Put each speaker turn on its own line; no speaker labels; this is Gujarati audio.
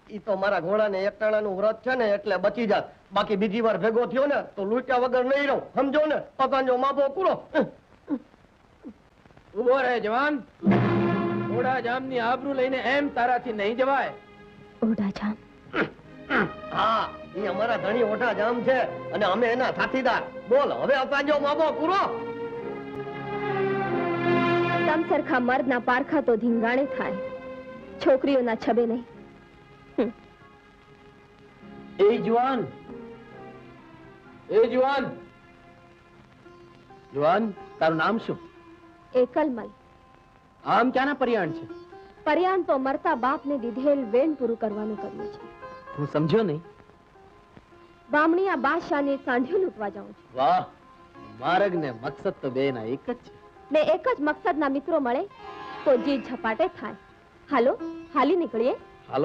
ઈ તો મારા ઘોડાને એકટાણાનું વ્રત છે ને એટલે બચી જાત. બાકી બીજી વાર ભેગો થયો ને તો લૂંટ્યા વગર નહીં રહું, સમજો ને? પકાંજો માપો પૂરો.
ઉભો રહે જવાન. ઓઢા જામની આબરૂ લઈને એમ તારાથી નહીં જવાય.
ઓઢા જામ?
હા, ઈ અમારા ધણી ઓઢા જામ છે અને અમે એના સાથીદાર. બોલ હવે પકાંજો માપો પૂરો.
તમ સરખા મર્દના પારખા તો ધીંગાણે થાય, છોકરીઓના છબે નહીં.
એ જુવાન, એ જુવાન, જુવાન, તારું નામ શું?
એકલમલ.
આમ ક્યાંના પર્યાણ છે?
પર્યાણ તો મરતા બાપને દીધેલ વેણ પૂરું કરવાનું કર્યું છે.
હું સમજ્યો નહીં.
બામણી આ બાદશાહને સાંઢિયો લૂંટવા જાઉં છું.
વાહ, માર્ગ ને મકસદ તો બેના એક જ છે.
ને એક જ મકસદના મિત્રો મળે તો જીત ઝપાટે થાય. હાલો, હાલી નીકળીએ.